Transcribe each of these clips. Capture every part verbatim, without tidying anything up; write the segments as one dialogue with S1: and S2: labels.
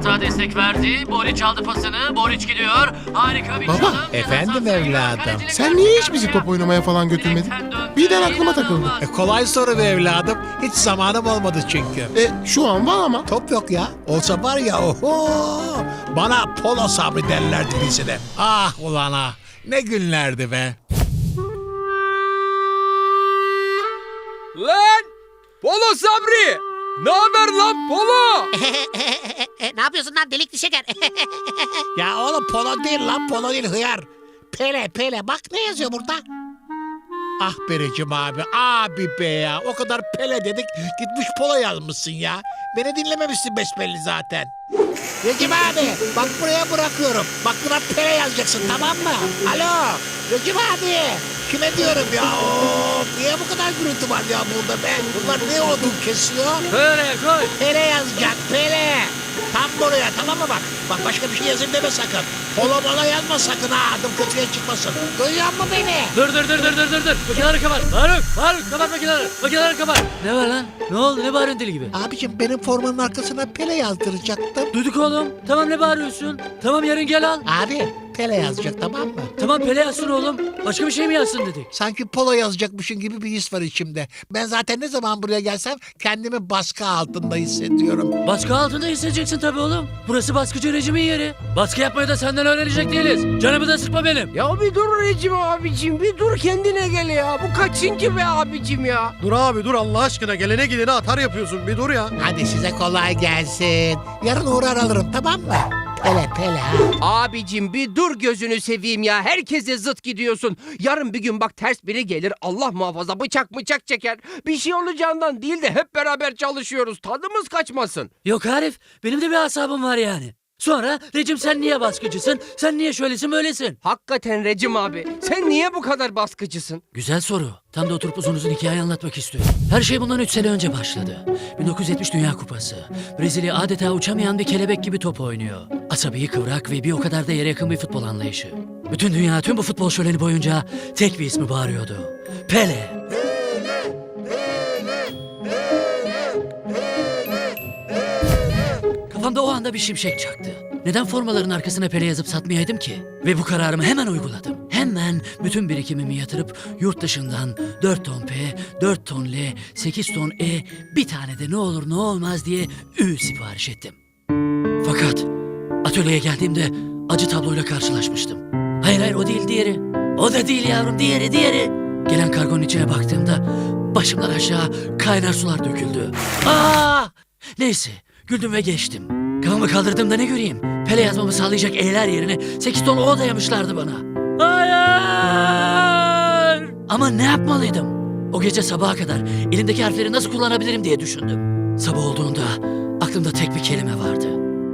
S1: hata destek verdi. Boric aldı pasını. Boric gidiyor. Harika bir
S2: Baba,
S1: çalım.
S3: efendim evladım.
S2: Sen niye hiç bizi top oynamaya falan götürmedin? Birden aklıma takıldı.
S3: E, kolay soru be evladım. Hiç zamanım olmadı çünkü.
S2: E şu an var ama.
S3: Top yok ya. Olsa var ya oho. Bana Polo Sabri derlerdi lisede. Ah ulan ah. Ne günlerdi be.
S4: Lan! Polo Sabri! Ne haber lan Polo?
S5: Ne yapıyorsun lan delikli şeker?
S3: Ya oğlum Polo değil lan Polo değil hıyar. Pele Pele bak ne yazıyor burada. Ah Berecim abi abi be ya. O kadar Pele dedik gitmiş Polo yazmışsın ya. Beni dinlememişsin besbelli zaten. Recep abi bak buraya bırakıyorum. Bak buna Pele yazacaksın tamam mı? Alo Recep abi. Kime diyorum ya? Of, niye bu kadar gürültü var ya burada be? Bunlar ne odun kesiyor?
S1: Böyle koy.
S3: Pele yazacak Pele. Tam buraya tamam mı bak? Bak başka bir şey yazayım deme sakın. Polo mola yazma sakın ha adım kötüye çıkmasın. Duyuyor musun beni?
S1: Dur dur dur dur dur dur dur. Makineleri kapat. Faruk, Faruk kapat makineleri. Makineleri kapat. Ne var lan? Ne oldu? Ne bağırıyorsun deli gibi?
S3: Abicim benim formanın arkasına Pele yazdıracaktım.
S1: Duyduk oğlum. Tamam ne bağırıyorsun? Tamam yarın gel al.
S3: Abi Pele yazacak tamam mı?
S1: Tamam Pele yazsın oğlum. Başka bir şey mi yazsın dedik?
S3: Sanki polo yazacakmışın gibi bir his var içimde. Ben zaten ne zaman buraya gelsem kendimi baskı altında hissediyorum.
S1: Baskı altında hissedeceksin tabii oğlum. Burası baskıcı rejimin yeri. Baskı yapmayı da senden öğrenecek değiliz. Canımı da sıkma benim.
S4: Ya bir dur Recep abicim bir dur kendine gel ya. Bu kaçıncı be abicim ya?
S6: Dur abi dur Allah aşkına gelene gidene atar yapıyorsun bir dur ya.
S3: Hadi size kolay gelsin. Yarın uğrar alırım tamam mı? Pele Pele ha.
S4: Abicim bir dur gözünü seveyim ya. Herkese zıt gidiyorsun. Yarın bir gün bak ters biri gelir Allah muhafaza bıçak bıçak çeker. Bir şey olacağından değil de hep beraber çalışıyoruz. Tadımız kaçmasın.
S1: Yok Arif, benim de bir asabım var yani. Sonra Recep sen niye baskıcısın? Sen niye şöylesin böylesin?
S4: Hakikaten Recep abi sen niye bu kadar baskıcısın?
S1: Güzel soru. Tam da oturup uzun uzun hikaye anlatmak istiyorum. Her şey bundan üç sene önce başladı. bin dokuz yüz yetmiş Dünya Kupası. Brezilya adeta uçamayan bir kelebek gibi top oynuyor. Asabi, kıvrak ve bir o kadar da yere yakın bir futbol anlayışı. Bütün dünya tüm bu futbol şöleni boyunca tek bir ismi bağırıyordu. Pele. Kafamda o anda bir şimşek çaktı. Neden formaların arkasına Pele yazıp satmayaydım ki? Ve bu kararımı hemen uyguladım. Hemen bütün birikimimi yatırıp yurt dışından dört ton P, dört ton L, sekiz ton E, bir tane de ne olur ne olmaz diye Ü sipariş ettim. Fakat atölyeye geldiğimde acı tabloyla karşılaşmıştım. Hayır hayır o değil diğeri. O da değil yavrum diğeri diğeri. Gelen kargonun içine baktığımda başımdan aşağı kaynar sular döküldü. Aa! Neyse. Güldüm ve geçtim. Kafamı kaldırdığımda ne göreyim? Pele yazmamı sağlayacak E'ler yerine sekiz ton O dayamışlardı bana. Hayır! Ama ne yapmalıydım? O gece sabaha kadar elimdeki harfleri nasıl kullanabilirim diye düşündüm. Sabah olduğunda aklımda tek bir kelime vardı.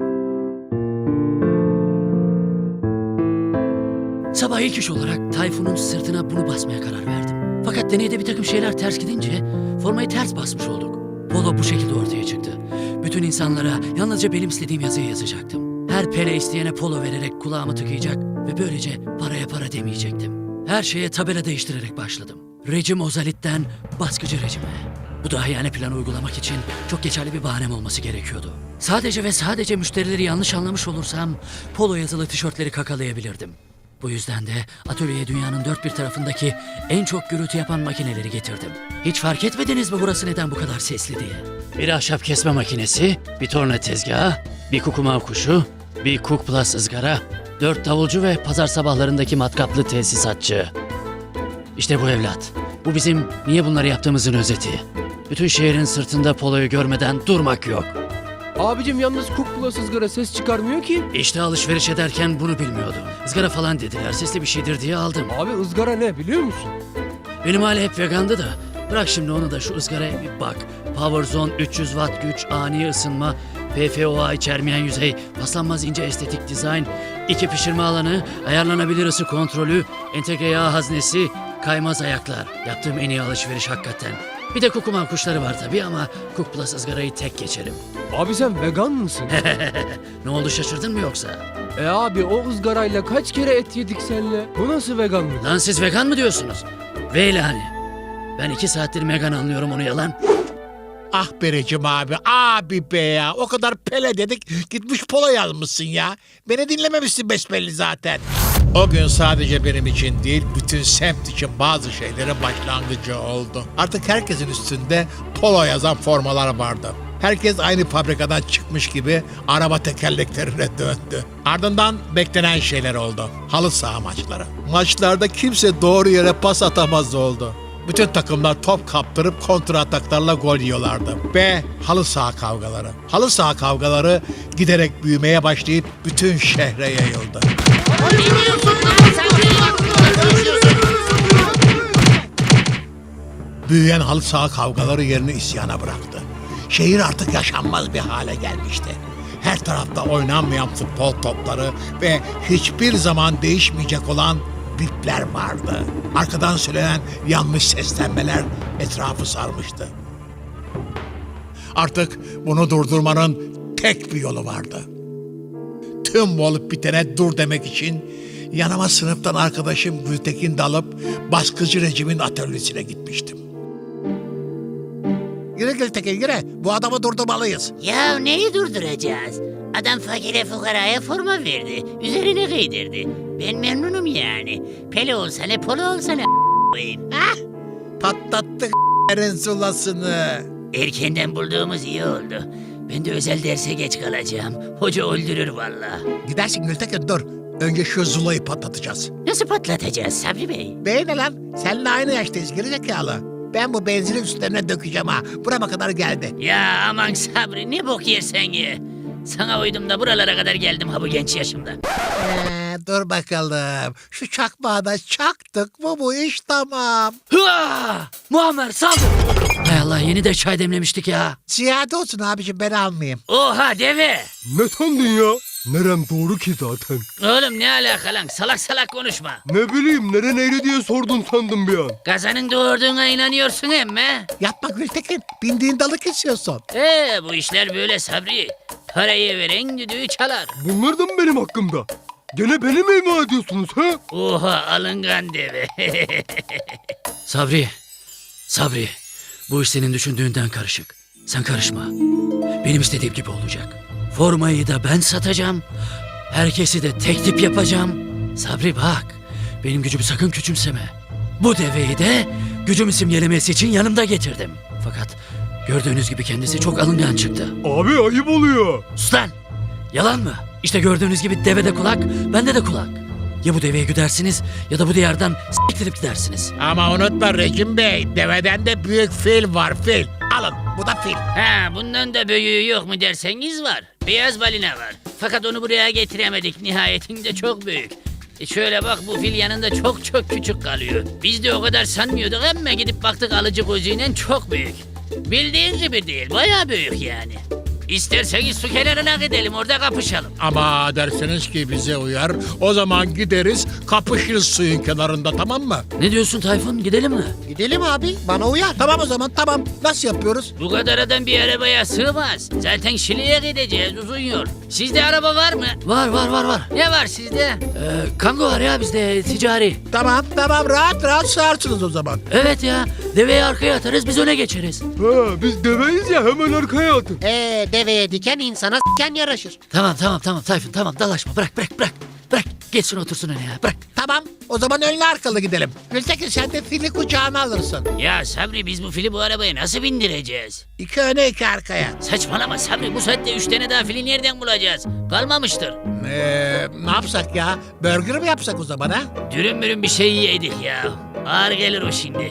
S1: Sabah ilk iş olarak Tayfun'un sırtına bunu basmaya karar verdim. Fakat deneyde bir takım şeyler ters gidince formayı ters basmış olduk. Polo bu şekilde ortaya çıktı. Bütün insanlara yalnızca benim istediğim yazıyı yazacaktım. Her Pele isteyene polo vererek kulağımı tıkayacak ve böylece paraya para demeyecektim. Her şeye tabela değiştirerek başladım. Rejim Ozalit'ten baskıcı rejime. Bu dahiyane planı uygulamak için çok geçerli bir bahanem olması gerekiyordu. Sadece ve sadece müşterileri yanlış anlamış olursam polo yazılı tişörtleri kakalayabilirdim. Bu yüzden de atölyeye dünyanın dört bir tarafındaki en çok gürültü yapan makineleri getirdim. Hiç fark etmediniz mi burası neden bu kadar sesli diye? Bir ahşap kesme makinesi, bir torna tezgahı, bir kukumav kuşu, bir Cook Plus ızgara, dört davulcu ve pazar sabahlarındaki matkaplı tesisatçı. İşte bu evlat. Bu bizim niye bunları yaptığımızın özeti. Bütün şehrin sırtında poloyu görmeden durmak yok.
S4: Abicim yalnız Cook Plus ızgara ses çıkarmıyor ki.
S1: İşte alışveriş ederken bunu bilmiyordum. Izgara falan dediler, sesli bir şeydir diye aldım.
S4: Abi ızgara ne biliyor musun?
S1: Benim aile hep vegandı da. Bırak şimdi onu da şu ızgaraya bir bak. Power Zone üç yüz watt güç, ani ısınma, P F O A içermeyen yüzey, paslanmaz ince estetik dizayn, iki pişirme alanı, ayarlanabilir ısı kontrolü, entegre yağ haznesi, kaymaz ayaklar. Yaptığım en iyi alışveriş hakikaten. Bir de kukuman kuşları var tabii ama Cook Plus ızgarayı tek geçerim.
S4: Abi sen vegan mısın?
S1: Ne oldu şaşırdın mı yoksa?
S4: E abi o ızgarayla kaç kere et yedik seninle? Bu nasıl veganlık?
S1: Lan siz vegan mı diyorsunuz? Veylani. Ben iki saattir vegan anlıyorum onu yalan.
S3: Ah Berecim abi, abi be ya. O kadar Pele dedik, gitmiş polo yazmışsın ya. Beni dinlememişsin besbelli zaten. O gün sadece benim için değil, bütün semt için bazı şeylerin başlangıcı oldu. Artık herkesin üstünde polo yazan formalar vardı. Herkes aynı fabrikadan çıkmış gibi araba tekerleklerine döndü. Ardından beklenen şeyler oldu. Halı saha maçları. Maçlarda kimse doğru yere pas atamaz oldu. Bütün takımlar top kaptırıp kontra ataklarla gol yiyorlardı. Ve halı saha kavgaları. Halı saha kavgaları giderek büyümeye başlayıp bütün şehre yayıldı. Büyüyen halı saha kavgaları yerini isyana bıraktı. Şehir artık yaşanmaz bir hale gelmişti. Her tarafta oynanmayan futbol topları ve hiçbir zaman değişmeyecek olan bipler vardı. Arkadan söylenen yanlış seslenmeler etrafı sarmıştı. Artık bunu durdurmanın tek bir yolu vardı. Tüm bu olup bitene dur demek için yanıma sınıftan arkadaşım Gültekin dalıp baskıcı rejimin atölyesine gitmiştim. Yürü Gültekin yürü. Bu adamı durdurmalıyız.
S5: Ya neyi durduracağız? Adam fakire fukaraya forma verdi. Üzerine giydirdi. Ben memnunum yani. Pele olsa ne polo olsa ne koyayım. Ha?
S3: Patlattık yerin sulasını.
S5: Erkenden bulduğumuz iyi oldu. Ben de özel derse geç kalacağım. Hoca öldürür valla.
S3: Gidersin Gültekin dur. Önce şu Zula'yı patlatacağız.
S5: Nasıl patlatacağız Sabri Bey?
S3: Bey ne lan? Seninle aynı yaştayız gerizekalı. Ben bu benzinin üstlerine dökeceğim ha. Burama kadar geldi.
S5: Ya aman Sabri ne bok yersen ye. Sana uydum da buralara kadar geldim ha bu genç yaşımda.
S3: Ee, dur bakalım. Şu çakmağı da çaktık mı bu iş tamam.
S1: Hıa! Muammer saldır. Hay Allah yeni de çay demlemiştik ya.
S3: Ziyade olsun abiciğim ben almayayım.
S5: Oha deve.
S6: Ne sandın ya? Nerem doğru ki zaten.
S5: Oğlum ne alaka lan salak salak konuşma.
S6: Ne bileyim nere neyre diye sordun sandım bir an.
S5: Kazanın doğurduğuna inanıyorsun emme.
S3: Yapma Gültekin. Bindiğin dalı kesiyorsun.
S5: Ee bu işler böyle Sabri. Parayı veren düdüğü çalar.
S6: Bunlar da mı benim hakkımda? Gene beni mi ima ediyorsunuz ha?
S5: Oha alıngan deve.
S1: Sabri, Sabri. Bu iş senin düşündüğünden karışık. Sen karışma. Benim istediğim gibi olacak. Formayı da ben satacağım. Herkesi de tek tip yapacağım. Sabri bak. Benim gücümü sakın küçümseme. Bu deveyi de gücümü simgelemesi için yanımda getirdim. Fakat gördüğünüz gibi kendisi çok alıngan çıktı.
S6: Abi ayıp oluyor.
S1: Sus lan! Yalan mı? İşte gördüğünüz gibi devede kulak, bende de kulak. Ya bu deveye güdersiniz ya da bu diyardan s**tirip gidersiniz.
S3: Ama unutma Recep Bey. Deveden de büyük fil var fil. Alın bu da fil.
S5: Ha bundan da büyüğü yok mu derseniz var. Beyaz balina var. Fakat onu buraya getiremedik nihayetinde çok büyük. E şöyle bak bu fil yanında çok çok küçük kalıyor. Biz de o kadar sanmıyorduk ama gidip baktık alıcı gözüyle çok büyük. Bildiğin gibi değil bayağı büyük yani. İsterseniz su kenarına gidelim orada kapışalım.
S3: Ama derseniz ki bize uyar. O zaman gideriz kapışırız suyun kenarında tamam mı?
S1: Ne diyorsun Tayfun? Gidelim mi?
S3: Gidelim abi bana uyar. Tamam o zaman tamam. Nasıl yapıyoruz?
S5: Bu kadar adam bir arabaya sığmaz. Zaten Şili'ye gideceğiz uzun yol. Sizde araba var mı?
S1: Var var var var.
S5: Ne var sizde?
S1: Ee, Kango var ya bizde ticari.
S3: Tamam tamam rahat rahat sığarsınız o zaman.
S1: Evet ya deveyi arkaya atarız biz öne geçeriz.
S6: Ha biz deveyiz ya hemen arkaya atın.
S7: Ee, deveye diken insana s**ken yaraşır.
S1: Tamam tamam tamam Tayfun tamam dalaşma bırak bırak bırak. Bırak geçsin otursun öne ya bırak.
S3: Tamam o zaman önlü arkalı gidelim. Gültekin sen de fili kucağına alırsın.
S5: Ya Sabri biz bu fili bu arabaya nasıl bindireceğiz?
S3: İki öne iki arkaya.
S5: Saçmalama Sabri bu saatte üç tane daha fili nereden bulacağız? Kalmamıştır.
S3: Ee, ne yapsak ya? Burger mi yapsak o zaman ha?
S5: Dürüm mürüm bir şey yedik ya. Ağır gelir o şimdi.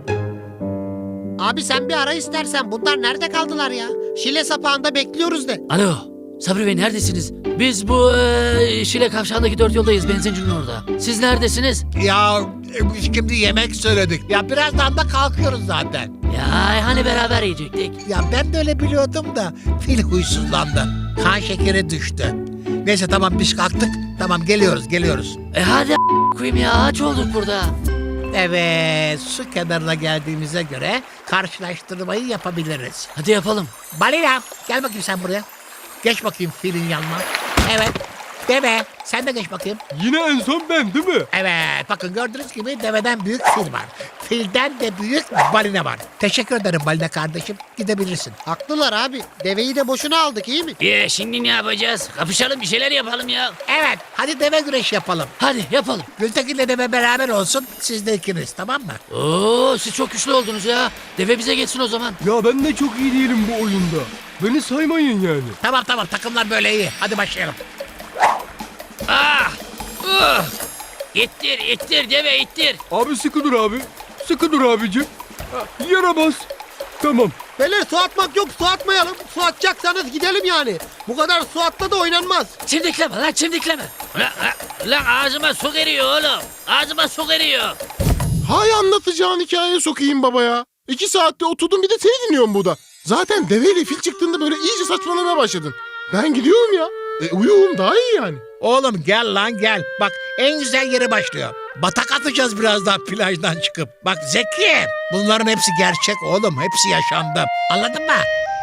S7: Abi sen bir ara istersen bunlar nerede kaldılar ya? Şile sapağında bekliyoruz de.
S1: Alo Sabri Bey neredesiniz? Biz bu e, Şile kavşağındaki dört yoldayız benzincinin orada. Siz neredesiniz?
S3: Ya e, biz şimdi yemek söyledik. Ya birazdan da kalkıyoruz zaten.
S1: Ya hani beraber yiyecektik.
S3: Ya ben de öyle biliyordum da fil huysuzlandı. Kan şekeri düştü. Neyse tamam biz kalktık. Tamam geliyoruz geliyoruz.
S1: E hadi a- koyayım ya aç olduk burada.
S3: Evet su kenarına geldiğimize göre karşılaştırmayı yapabiliriz.
S1: Hadi yapalım.
S3: Balina gel bakayım sen buraya. Geç bakayım filin yanına. Evet. Deve sen de geç bakayım.
S6: Yine en son ben değil mi?
S3: Evet bakın gördüğünüz gibi deveden büyük fil var. Filden de büyük balina var. Teşekkür ederim balina kardeşim. Gidebilirsin.
S7: Haklılar abi. Deveyi de boşuna aldık iyi mi?
S5: Ee, şimdi ne yapacağız? Kapışalım bir şeyler yapalım ya.
S3: Evet, hadi deve güreşi yapalım.
S1: Hadi yapalım.
S3: Gültekin'le deve beraber olsun. Siz de ikiniz, tamam mı?
S1: Oo, siz çok güçlü oldunuz ya. Deve bize geçsin o zaman.
S6: Ya ben de çok iyi değilim bu oyunda. Beni saymayın yani.
S3: Tamam tamam, takımlar böyle iyi. Hadi başlayalım.
S5: Ah! Uh! İttir, ittir deve ittir.
S6: Abi sıkı dur abi. Sıkı dur abicim. Ha, Yere bas. Tamam.
S7: Beyler su atmak yok, su atmayalım. Su atacaksanız gidelim yani. Bu kadar su atla da oynanmaz.
S1: Çimdikleme lan çimdikleme.
S5: Lan, lan ağzıma su giriyor oğlum. Ağzıma su giriyor.
S2: Hay anlatacağın hikayeye sokayım baba ya. İki saatte oturdum bir de seni dinliyorum burada. Zaten deveyle fil çıktığında böyle iyice saçmalamaya başladın. Ben gidiyorum ya. E, uyuyorum daha iyi yani.
S3: Oğlum gel lan gel. Bak en güzel yere başlıyor. Batak atacağız birazdan plajdan çıkıp. Bak Zeki, bunların hepsi gerçek oğlum. Hepsi yaşandı. Anladın mı?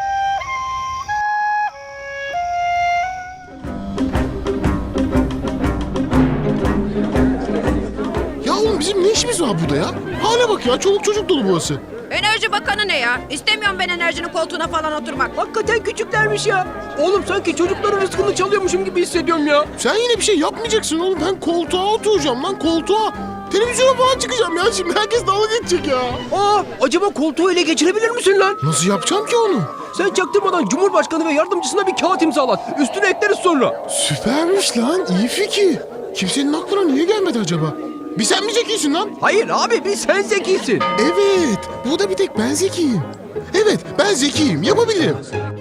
S2: Ya oğlum bizim ne işimiz var burada ya? Hale bak ya, çoluk çocuk dolu burası.
S8: Enerji Bakanı ne ya? İstemiyorum ben enerjinin koltuğuna falan oturmak.
S4: Hakikaten küçüklermiş ya. Oğlum sanki çocukların rızkını çalıyormuşum gibi hissediyorum ya.
S2: Sen yine bir şey yapmayacaksın oğlum. Ben koltuğa oturacağım lan, koltuğa. Televizyona falan çıkacağım ya, şimdi herkes dalga geçecek ya.
S4: Aa, acaba koltuğu ele geçirebilir misin lan?
S2: Nasıl yapacağım ki onu?
S4: Sen çaktırmadan Cumhurbaşkanı ve yardımcısına bir kağıt imzalat. Üstüne ekleriz sonra.
S2: Süpermiş lan, iyi fikir. Kimsenin aklına niye gelmedi acaba? Bir sen mi zekisin lan?
S4: Hayır abi, bir sen zekisin.
S2: Evet, burada bir tek ben zekiyim. Evet, ben zekiyim, yapabilirim.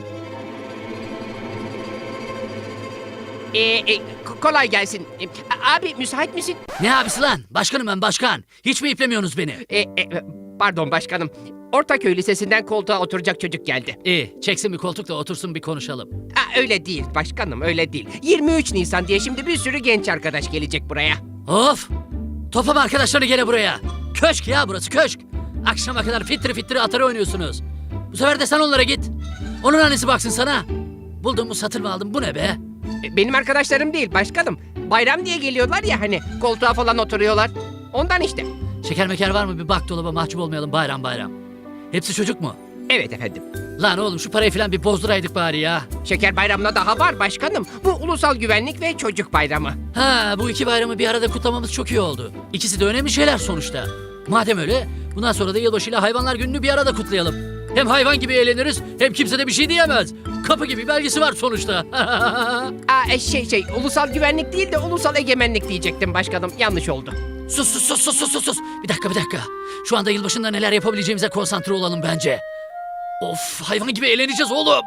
S4: Ee, e, k- kolay gelsin. E, abi müsait misin?
S1: Ne abisi lan? Başkanım ben başkan. Hiç mi iplemiyorsunuz beni?
S4: E, e, pardon başkanım. Ortaköy Lisesi'nden koltuğa oturacak çocuk geldi.
S1: İyi, çeksin bir koltuk da otursun bir konuşalım.
S4: Aa, öyle değil başkanım, öyle değil. yirmi üç Nisan diye şimdi bir sürü genç arkadaş gelecek buraya.
S1: Of! Toplama arkadaşlarını gene buraya. Köşk ya burası köşk. Akşama kadar fitri fitri atarı oynuyorsunuz. Bu sefer de sen onlara git. Onun annesi baksın sana. Buldum mu satır mı aldım bu ne be?
S4: E, benim arkadaşlarım değil başkanım. Bayram diye geliyorlar ya hani, koltuğa falan oturuyorlar. Ondan işte.
S1: Şeker meker var mı bir bak dolaba, mahcup olmayalım bayram bayram. Hepsi çocuk mu?
S4: Evet efendim.
S1: Lan oğlum şu parayı falan bir bozduraydık bari ya.
S4: Şeker bayramına daha var başkanım. Bu ulusal güvenlik ve çocuk bayramı.
S1: Ha bu iki bayramı bir arada kutlamamız çok iyi oldu. İkisi de önemli şeyler sonuçta. Madem öyle bundan sonra da yılbaşıyla hayvanlar gününü bir arada kutlayalım. Hem hayvan gibi eğleniriz hem kimse de bir şey diyemez. Kapı gibi belgesi var sonuçta.
S4: Aa, e, şey şey ulusal güvenlik değil de ulusal egemenlik diyecektim başkanım. Yanlış oldu.
S1: Sus sus sus sus sus sus sus. Bir dakika bir dakika. Şu anda yılbaşında neler yapabileceğimize konsantre olalım bence. Of hayvan gibi eğleneceğiz oğlum.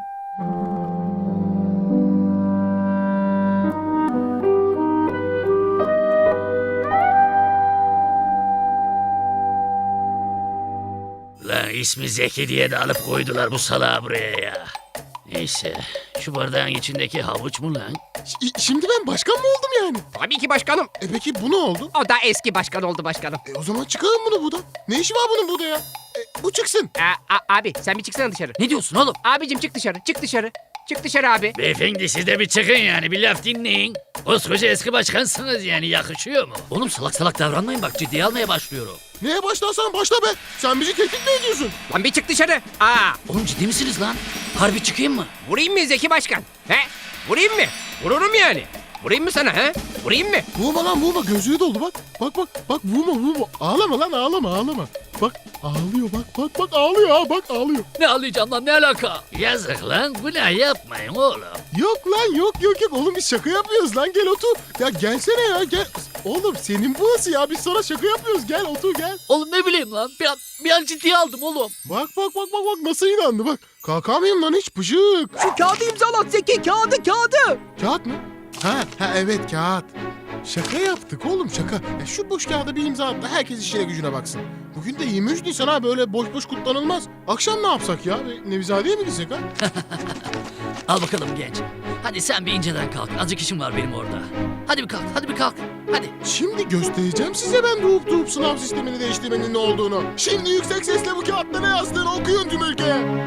S5: Lan ismi Zeki diye de alıp koydular bu salağı buraya ya. Neyse şu bardağın içindeki havuç mu lan?
S2: Ş- şimdi ben başkan mı oldum yani?
S4: Tabii ki başkanım.
S2: E peki bu ne oldu?
S4: O da eski başkan oldu başkanım.
S2: E o zaman çıkarın bunu buradan. Ne işi var bunun burada ya? E, bu çıksın.
S4: Aa, a- abi sen bir çıksana dışarı.
S1: Ne diyorsun oğlum?
S4: Abicim çık dışarı, çık dışarı. Çık dışarı abi.
S5: Beyefendi siz de bir çıkın yani bir laf dinleyin. Koskoca eski başkansınız yani yakışıyor mu?
S1: Oğlum salak salak davranmayın bak ciddiye almaya başlıyorum.
S2: Neye başlarsan başla be. Sen bizi tehdit mi ediyorsun?
S4: Lan bir çık dışarı. Aa,
S1: Oğlum ciddi misiniz lan? Harbi çıkayım mı?
S4: vurayım mı Zeki Başkan? He? Vurayım mı? Vururum yani. Vurayım mı sana he? Vurayım mı?
S2: Vurma lan vurma, gözlüğü doldu bak. Bak bak bak vurma vurma. Ağlama lan ağlama ağlama. Bak ağlıyor bak bak bak ağlıyor ha bak ağlıyor.
S1: Ne ağlayacağım lan ne alaka?
S5: Yazık lan günah yapmayın oğlum.
S2: Yok lan yok yok yok oğlum biz şaka yapıyoruz lan, gel otur. Ya gelsene ya gel. Oğlum senin burası ya, biz sana şaka yapıyoruz, gel otur gel.
S1: Oğlum ne bileyim lan bir an, bir an ciddiye aldım oğlum.
S2: Bak bak bak bak bak nasıl inandı bak. Kalkamayayım lan hiç pışık.
S4: Şu kağıdı imzalat Zeki, kağıdı kağıdı.
S2: Kağıt mı? Ha, ha evet kağıt. Şaka yaptık oğlum şaka. Ya şu boş kağıda bir imza at da herkes işine gücüne baksın. Bugün de yirmi üç Nisan ha, böyle boş boş kutlanılmaz. Akşam ne yapsak ya? Bir Nevizade'ye mi gitsek ha?
S1: Al bakalım genç. Hadi sen bir inceden kalk. Azıcık işim var benim orada. Hadi bir kalk, hadi bir kalk. Hadi.
S2: Şimdi göstereceğim size ben doğup doğup sınav sistemini değiştirmenin ne olduğunu. Şimdi yüksek sesle bu kağıtta ne yazdığını okuyun tüm ülkeye. Çabuk.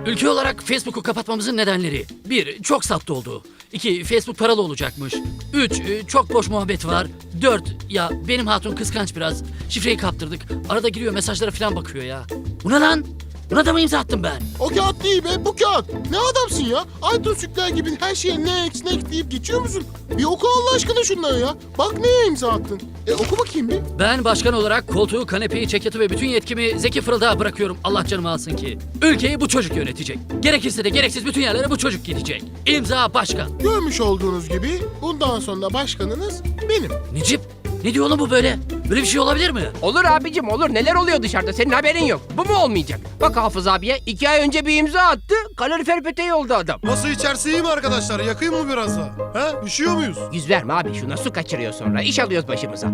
S1: Ülke olarak Facebook'u kapatmamızın nedenleri. Bir, çok safta olduğu. İki, Facebook paralı olacakmış. Üç, e, çok boş muhabbet var. Dört, ya benim hatun kıskanç biraz. Şifreyi kaptırdık. Arada giriyor mesajlara falan bakıyor ya. Bu ne lan? Buna da mı imza attım ben?
S2: O kağıt değil be, bu kağıt. Ne adamsın ya? Aytun Sükler gibi her şeye next next deyip geçiyor musun? Bir oku Allah aşkına şunları ya. Bak neye imza attın. E oku bakayım bir.
S1: Ben başkan olarak koltuğu, kanepeyi, ceketi ve bütün yetkimi Zeki Fırıldağa bırakıyorum. Allah canımı alsın ki. Ülkeyi bu çocuk yönetecek. Gerekirse de gereksiz bütün yerlere bu çocuk gidecek. İmza başkan.
S2: Görmüş olduğunuz gibi bundan sonra başkanınız benim.
S1: Necip, ne diyor oğlum bu böyle? Böyle bir şey olabilir mi?
S4: Olur abicim olur. Neler oluyor dışarıda? Senin haberin yok. Bu mu olmayacak? Bak Hafız abiye iki ay önce bir imza attı. Kalorifer peteği oldu adam.
S9: Nasıl içerisi iyi mi arkadaşlar? Yakayım mı biraz da? He? Üşüyor muyuz?
S4: Yüz verme abi şuna, su kaçırıyor sonra. İş alıyoruz başımıza.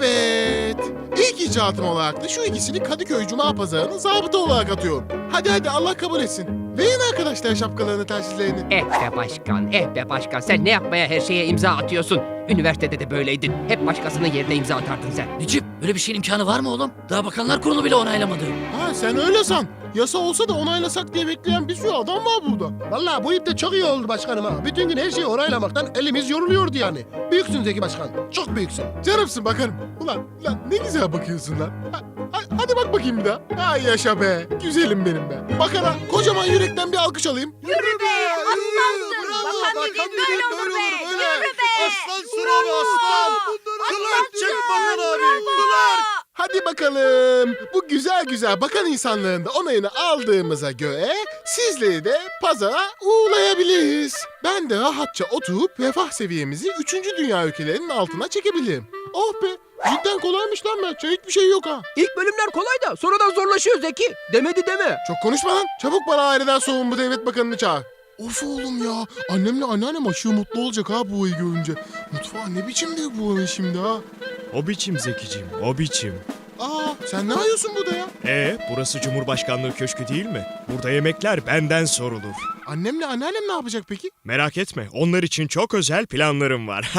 S2: Evet. İlk icatım olarak da şu ikisini Kadıköy Cuma Pazarı'na zabıta olarak atıyorum. Hadi hadi Allah kabul etsin. Verin arkadaşlar şapkalarını, tersizlerini.
S4: Eh be başkan, eh be başkan. Sen ne yapmaya her şeye imza atıyorsun? Üniversitede de böyleydin. Hep başkasının yerine imza atardın sen.
S1: Necip, böyle bir şeyin imkanı var mı oğlum? Daha bakanlar kurulu bile onaylamadı.
S2: Ha sen öyle san. Yasa olsa da onaylasak diye bekleyen bir sürü adam var burada.
S9: Vallahi bu ip de çok iyi oldu başkanım ha. Bütün gün her şeyi onaylamaktan elimiz yoruluyordu yani. Büyüksün Zeki Başkan. Çok büyüksün.
S2: Canımsın bakarım. Ulan, ulan ne güzel bakıyorsun lan. Ha, ha- hadi bak bakayım bir daha. Ay yaşa be. Güzelim benim be. Bakana kocaman yürekten bir alkış alayım.
S8: Yürü be, aslansın. Bakan dediğin böyle olur be. Yürü be.
S9: Aslansın abi aslan. Clark çek bakan abi. Clark.
S2: Hadi bakalım. Bu güzel güzel bakan insanların da onayını aldığımıza göre sizleri de pazara uğurlayabiliriz. Ben de rahatça oturup refah seviyemizi üçüncü dünya ülkelerinin altına çekebilirim. Oh be. Cidden kolaymış lan Mertcan. Hiçbir şey yok ha.
S4: İlk bölümler kolay da sonradan zorlaşıyor Zeki. Demedi deme.
S2: Çok konuşma lan. Çabuk bana aileden sorumlu devlet bakanını çağır. Of oğlum ya. Annemle anneannem aşırı mutlu olacak ha bu ayı görünce. Mutfağı ne biçimdir bu ayı şimdi ha.
S10: O biçim Zekicim, o biçim.
S2: Aa sen ne arıyorsun burada ya?
S10: E, burası Cumhurbaşkanlığı Köşkü değil mi? Burada yemekler benden sorulur.
S2: Annemle anneannem ne yapacak peki?
S10: Merak etme, onlar için çok özel planlarım var.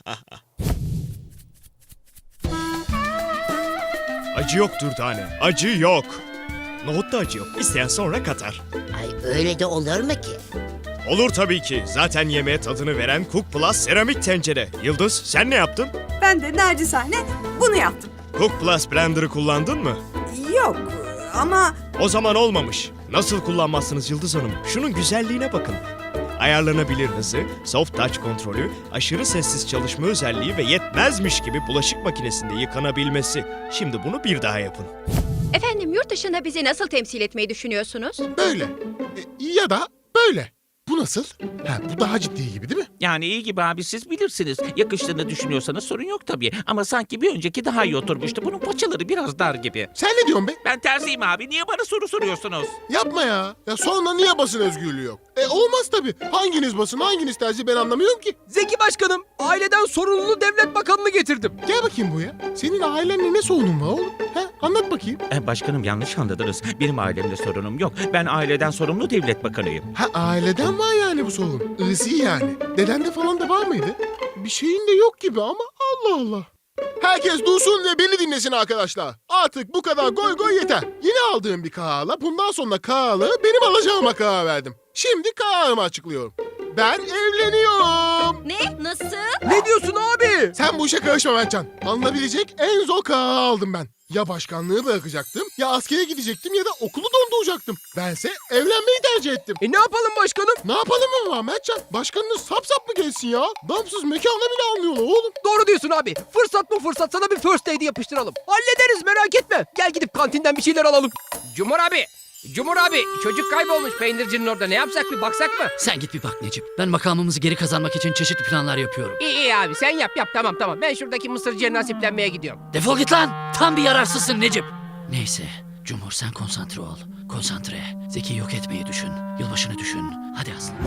S10: Acı yok Dürdane, acı yok. Nohutta acı yok, isteyen sonra katar.
S11: Ay öyle de olur mu ki?
S10: Olur tabii ki, zaten yemeğe tadını veren Cook Plus seramik tencere. Yıldız, sen ne yaptın?
S8: Ben de nacizane bunu yaptım.
S10: Cook Plus blender'ı kullandın mı?
S8: Yok ama
S10: O zaman olmamış. Nasıl kullanmazsınız Yıldız Hanım? Şunun güzelliğine bakın. Ayarlanabilir hızı, soft touch kontrolü, aşırı sessiz çalışma özelliği ve yetmezmiş gibi bulaşık makinesinde yıkanabilmesi. Şimdi bunu bir daha yapın.
S8: efendim yurt dışında bizi nasıl temsil etmeyi düşünüyorsunuz?
S2: Böyle. E, ya da böyle. Bu nasıl? Ha, bu daha ciddi gibi değil mi?
S12: Yani iyi gibi abi siz bilirsiniz. Yakıştığını düşünüyorsanız sorun yok tabii. Ama sanki bir önceki daha iyi oturmuştu. Bunun paçaları biraz dar gibi.
S2: Sen ne diyorsun be?
S12: Ben terziyim abi. Niye bana soru soruyorsunuz?
S2: Yapma ya. Ya sonra niye basın özgürlüğü yok? E olmaz tabii. Hanginiz basın hanginiz tercih ben anlamıyorum ki.
S4: Zeki başkanım, aileden sorumlu devlet bakanını getirdim.
S2: Gel bakayım buraya. Senin ailenle ne sorunun var oğlum? He? Anlat bakayım.
S12: E, başkanım yanlış anladınız. Benim ailemde sorunum yok. Ben aileden sorumlu devlet bakanıyım.
S2: Ha aileden var yani bu sorun. Irsi yani. Dedende falan da var mıydı? Bir şeyin de yok gibi ama Allah Allah. Herkes dursun ve beni dinlesin arkadaşlar. Artık bu kadar goy goy yeter. Yeni aldığım bir kararla bundan sonra kararı benim alacağıma karar verdim. Şimdi kararımı açıklıyorum. Ben evleniyorum.
S8: Ne? Nasıl?
S4: Ne diyorsun abi?
S2: Sen bu işe karışma Mertcan. Alınabilecek en zor kararı aldım ben. Ya başkanlığı bırakacaktım, ya askere gidecektim ya da okulu donduracaktım. Bense evlenmeyi tercih ettim.
S4: E ne yapalım başkanım?
S2: Ne yapalım mı var Mertcan? Başkanınız sap sap mı geçsin ya? Damsız mekana bile almıyorlar oğlum.
S4: Doğru diyorsun abi. Fırsat bu fırsat, sana bir first aid yapıştıralım. Hallederiz, merak etme. Gel gidip kantinden bir şeyler alalım. Cumhur abi. Cumhur abi, çocuk kaybolmuş peynircinin orada. Ne yapsak, bir baksak mı?
S1: Sen git bir bak Necip. Ben makamımızı geri kazanmak için çeşitli planlar yapıyorum.
S4: İyi iyi abi, sen yap yap, tamam tamam. Ben şuradaki mısırcıya nasiplenmeye gidiyorum.
S1: Defol git lan. Tam bir yararsızsın Necip. Neyse. Cumhur sen konsantre ol. Konsantre. Zeki'yi yok etmeyi düşün. Yılbaşını düşün. Hadi aslan.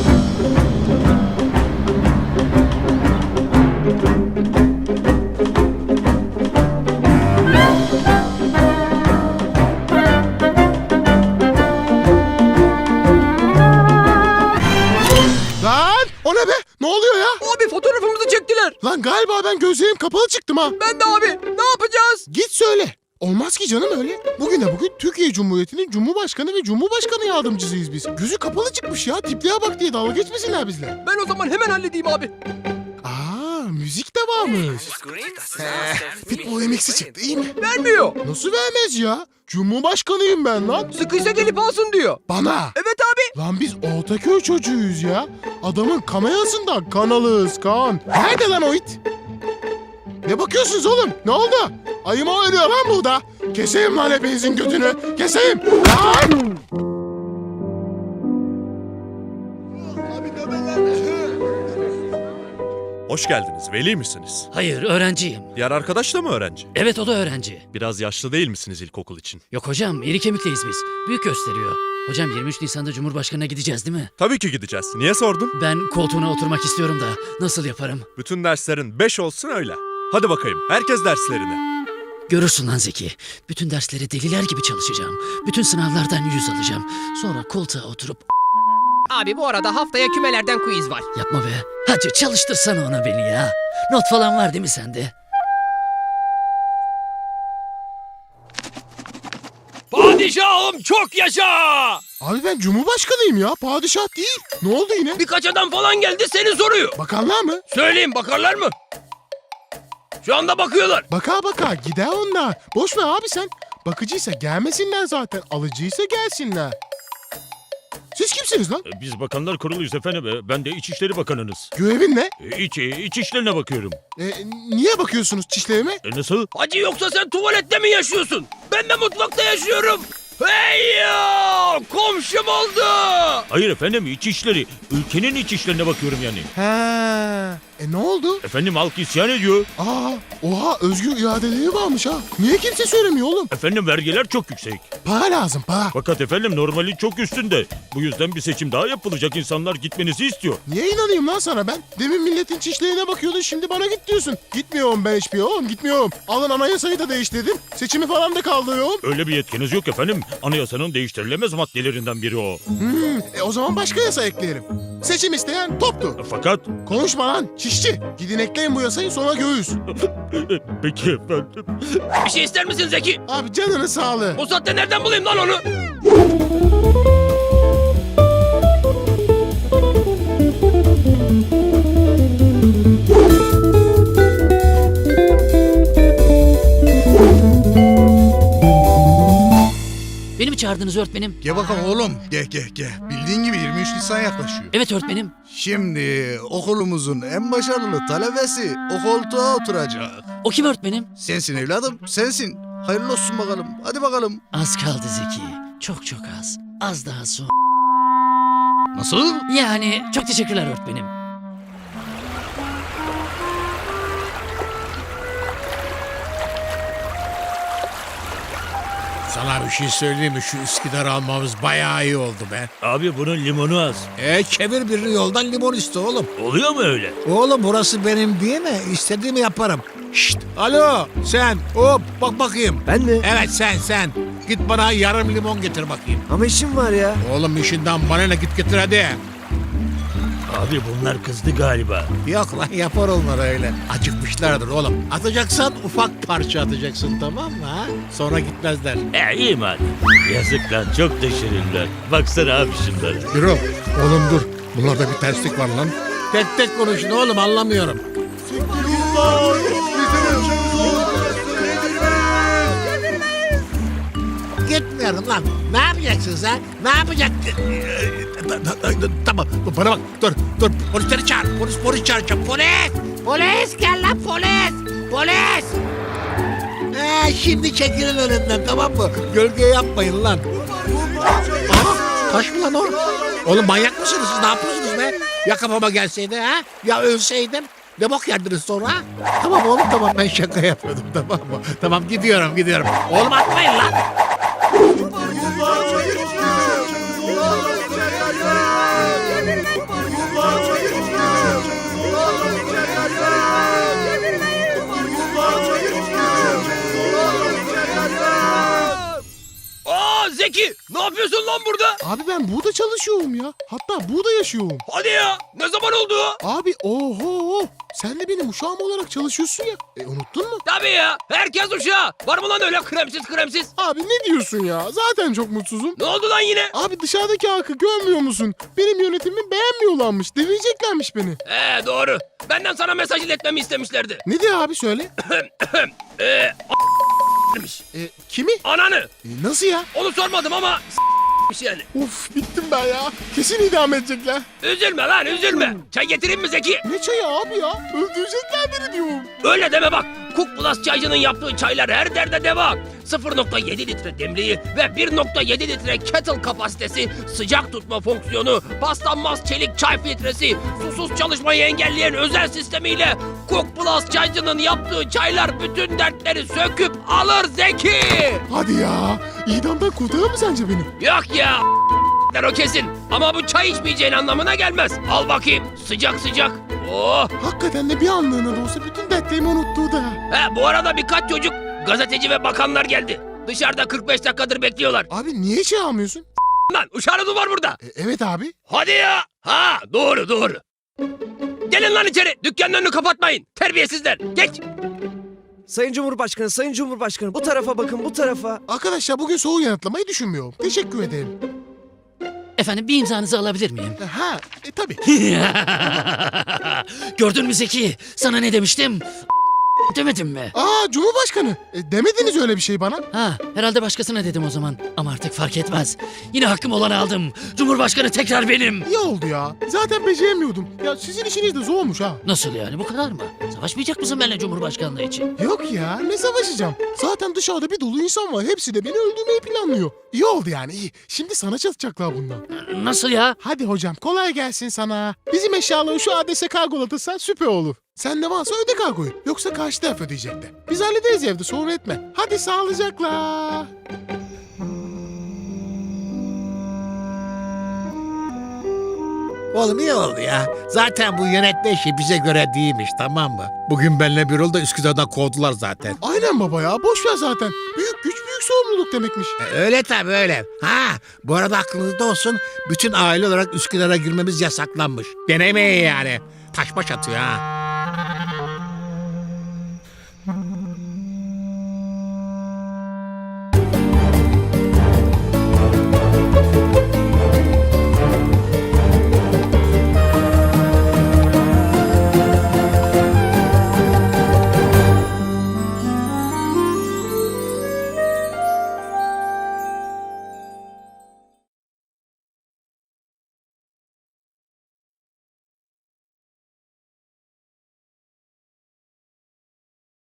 S2: Lan o ne be? Ne oluyor ya?
S4: Abi fotoğrafımızı çektiler.
S2: Lan galiba ben gözlerim kapalı çıktım ha.
S4: Ben de abi. Ne yapacağız?
S2: Git söyle. Olmaz ki canım öyle. Bugüne bugün Türkiye Cumhuriyeti'nin Cumhurbaşkanı ve Cumhurbaşkanı yardımcısıyız biz. Gözü kapalı çıkmış ya. Tipliğe bak diye dalga geçmesinler bizle.
S4: Ben o zaman hemen halledeyim abi.
S2: Aa, müzik de varmış. Pitbull M X'i çıktı iyi mi?
S4: Vermiyor.
S2: Nasıl vermez ya? Cumhurbaşkanıyım ben lan.
S4: Sıkıysa gelip alsın diyor.
S2: Bana.
S4: Evet abi.
S2: Lan biz Ortaköy çocuğuyuz ya. Adamın kamerasından kan alırız kan. Nerede lan o it? Ne bakıyorsunuz oğlum? Ne oldu? Ayıma ölüyor lan burada. Keseyim lan hepinizin götünü. Keseyim. Lan!
S13: Hoş geldiniz. Veli misiniz?
S1: Hayır, öğrenciyim.
S13: Diğer arkadaş da mı öğrenci?
S1: Evet, o da öğrenci.
S13: Biraz yaşlı değil misiniz ilkokul için?
S1: Yok hocam, iri kemikliyiz biz. Büyük gösteriyor. Hocam yirmi üç Nisan'da Cumhurbaşkanı'na gideceğiz değil mi?
S13: Tabii ki gideceğiz. Niye sordun?
S1: Ben koltuğuna oturmak istiyorum da nasıl yaparım?
S13: Bütün derslerin beş olsun öyle. Hadi bakayım. Herkes derslerine.
S1: Görürsün lan Zeki. Bütün dersleri deliler gibi çalışacağım. Bütün sınavlardan yüz alacağım. Sonra koltuğa oturup...
S4: Abi bu arada haftaya kümelerden quiz var.
S1: Yapma be. Hacı çalıştırsana ona beni ya. Not falan var değil mi sende?
S4: Padişahım çok yaşa!
S2: Abi ben Cumhurbaşkanıyım ya. Padişah değil. Ne oldu yine?
S4: Birkaç adam falan geldi seni soruyor.
S2: Bakanlar mı?
S4: Söyleyeyim bakarlar mı? Şu anda bakıyorlar.
S2: Baka baka gider onlar. Boş ver abi sen. Bakıcıysa gelmesinler zaten. Alıcıysa gelsinler. Siz kimsiniz lan?
S6: Biz bakanlar kuruluyuz efendim. Ben de İçişleri Bakanınız.
S2: Görevin ne?
S6: İç, iç işlerine bakıyorum.
S2: E, niye bakıyorsunuz çişlerime?
S6: E nasıl?
S4: Hacı yoksa sen tuvalette mi yaşıyorsun? Ben de mutfakta yaşıyorum. Hey ya! Komşum oldu.
S6: Hayır efendim iç işleri. Ülkenin iç işlerine bakıyorum yani.
S2: Ha. E ne oldu?
S6: Efendim halk isyan ediyor.
S2: Aa, oha özgür iradeleri varmış ha. Niye kimse söylemiyor oğlum?
S6: Efendim vergiler çok yüksek.
S2: Para lazım para.
S6: Fakat efendim normali çok üstünde. Bu yüzden bir seçim daha yapılacak, insanlar gitmenizi istiyor.
S2: Niye inanayım lan sana ben? Demin milletin çişlerine bakıyordun şimdi bana git diyorsun. Gitmiyorum ben hiçbir yere oğlum gitmiyorum. Alın anayasayı da değiştirdim. Seçimi falan da kaldırıyorum.
S6: Öyle bir yetkiniz yok efendim. Anayasanın değiştirilemez maddelerinden biri o.
S2: Hmm, e o zaman başka yasa ekleyelim. Seçim isteyen toptu.
S6: Fakat
S2: Konuşma lan çişçi. Gidin ekleyin bu yasayı sonra göğüs.
S6: peki efendim.
S4: Bir şey ister misin Zeki?
S2: Abi canını sağlığı.
S4: O saatte nereden bulayım lan onu?
S1: Beni mi çağırdınız öğretmenim?
S9: Gel bakalım oğlum. Gel gel gel. Bildiğin gibi yirmi üç Nisan yaklaşıyor.
S1: Evet öğretmenim.
S9: Şimdi okulumuzun en başarılı talebesi o koltuğa oturacak.
S1: O kim öğretmenim?
S9: Sensin evladım, sensin. Hayırlı olsun bakalım. Hadi bakalım.
S1: Az kaldı Zeki. Çok çok az. Az daha sonra.
S9: Nasıl?
S1: Yani çok teşekkürler öğretmenim.
S3: Sana bir şey söyleyeyim mi? Şu Üsküdar almamız bayağı iyi oldu be.
S6: Abi bunun limonu az.
S3: E çevir birini yoldan limon iste oğlum.
S6: Oluyor mu öyle?
S3: Oğlum burası benim değil mi? İstediğimi yaparım. Şşt! Alo sen hop bak bakayım.
S4: Ben mi?
S3: Evet sen sen. Git bana yarım limon getir bakayım.
S4: Ama işim var ya.
S3: Oğlum işinden bana ne git getir hadi.
S6: Abi bunlar kızdı galiba.
S3: Yok lan yapar onlar öyle. Acıkmışlardır oğlum. Atacaksan ufak parça atacaksın tamam mı ha? Sonra gitmezler.
S6: E iyi madem. Yazık lan çok da şirinler. Baksana abi şunlara.
S3: Yürü. Oğlum dur. Bunlarda bir terslik var lan. Tek tek konuşun oğlum anlamıyorum. Gitmiyorum lan. Ne yapacaksın sen? Ne yapacaksın? Tamam bana bak dur dur polisleri çağır. Polis polis çağıracağım. Polis! Polis gel lan polis! Polis! He, şimdi çekilin önümden tamam mı? Gölge yapmayın lan. Aha, taş mı lan o? Oğlum manyak mısınız siz? Ne yapıyorsunuz be? Ya kafama gelseydi ha? Ya ölseydim? Ne bok yerdiniz sonra? Tamam oğlum tamam ben şaka yapıyordum tamam mı? Tamam gidiyorum gidiyorum. Oğlum atmayın lan.
S4: Aa Zeki ne yapıyorsun lan burada?
S2: Abi ben burada çalışıyorum ya. Hatta burada yaşıyorum.
S4: Hadi ya ne zaman oldu?
S2: Abi oho Sen de benim uşağım olarak çalışıyorsun ya. E unuttun mu?
S4: Tabii ya. Herkes uşağı. Var mı lan öyle kremsiz kremsiz?
S2: Abi ne diyorsun ya? Zaten çok mutsuzum.
S4: Ne oldu lan yine?
S2: Abi dışarıdaki halkı görmüyor musun? Benim yönetimimi beğenmiyorlarmış. Devireceklermiş beni.
S4: Ee doğru. Benden sana mesaj iletmemi istemişlerdi.
S2: Ne diyor abi söyle?
S4: Ee demiş.
S2: E, kimi?
S4: Ananı.
S2: E, nasıl ya?
S4: Onu sormadım ama s**miş yani.
S2: Of bittim ben ya. Kesin idam edecekler.
S4: Üzülme lan üzülme. Çay getireyim mi Zeki?
S2: Ne çayı abi ya? Öldürecekler beni diyorum.
S4: Öyle deme bak. Cook Plus çaycının yaptığı çaylar her derde deva. sıfır nokta yedi litre demliği ve bir nokta yedi litre kettle kapasitesi, sıcak tutma fonksiyonu, paslanmaz çelik çay filtresi, susuz çalışmayı engelleyen özel sistemiyle Cook Plus çaycının yaptığı çaylar bütün dertleri söküp alır Zeki.
S2: Hadi ya. İdamdan kurtarır mı sence beni?
S4: Yok ya der o kesin. Ama bu çay içmeyeceğin anlamına gelmez. Al bakayım sıcak sıcak. Oh.
S2: Hakikaten de bir anlığına da olsa bütün dertlerimi unuttu da.
S4: He, bu arada birkaç çocuk, gazeteci ve bakanlar geldi. Dışarıda kırk beş dakikadır bekliyorlar.
S2: Abi niye çay almıyorsun?
S4: Lan uşağınız var burada.
S2: E, evet abi.
S4: Hadi ya. Ha doğru doğru. Gelin lan içeri. Dükkanın önünü kapatmayın. Terbiyesizler. Geç.
S6: Sayın Cumhurbaşkanı, Sayın Cumhurbaşkanı bu tarafa bakın, bu tarafa.
S2: Arkadaşlar bugün soğuk yanıtlamayı düşünmüyorum. Teşekkür ederim.
S1: Efendim bir imzanızı alabilir miyim?
S2: E, Ha, e tabii.
S1: Gördün mü Zeki? Sana ne demiştim? Demedim mi?
S2: Aa Cumhurbaşkanı. E, demediniz öyle bir şey bana.
S1: Ha, herhalde başkasına dedim o zaman. Ama artık fark etmez. Yine hakkım olanı aldım. Cumhurbaşkanı tekrar benim.
S2: İyi oldu ya. Zaten beceremiyordum. Ya sizin işiniz de zormuş ha.
S1: Nasıl yani, bu kadar mı? Savaşmayacak mısın benimle Cumhurbaşkanlığı için?
S2: Yok ya, ne savaşacağım. Zaten dışarıda bir dolu insan var. Hepsi de beni öldürmeyi planlıyor. İyi oldu yani, iyi. Şimdi sana çalışacaklar bundan.
S1: Nasıl ya?
S2: Hadi hocam, kolay gelsin sana. Bizim eşyaları şu adrese kargolatırsan süper olur. Sen de varsa öde kargoyu. Yoksa karşı taraf ödeyecekler. Biz hallederiz evde, sorun etme. Hadi sağlıcakla.
S3: Oğlum iyi oldu ya. Zaten bu yönetme işi bize göre değilmiş, tamam mı? Bugün benimle bir oldu, Üsküdar'dan kovdular zaten.
S2: Aynen baba ya, boş ver zaten. Büyük güç büyük sorumluluk demekmiş.
S3: E, öyle tabii öyle. Ha, bu arada aklınızda olsun, bütün aile olarak Üsküdar'a girmemiz yasaklanmış. Denemeyin yani. Taş baş atıyor ha.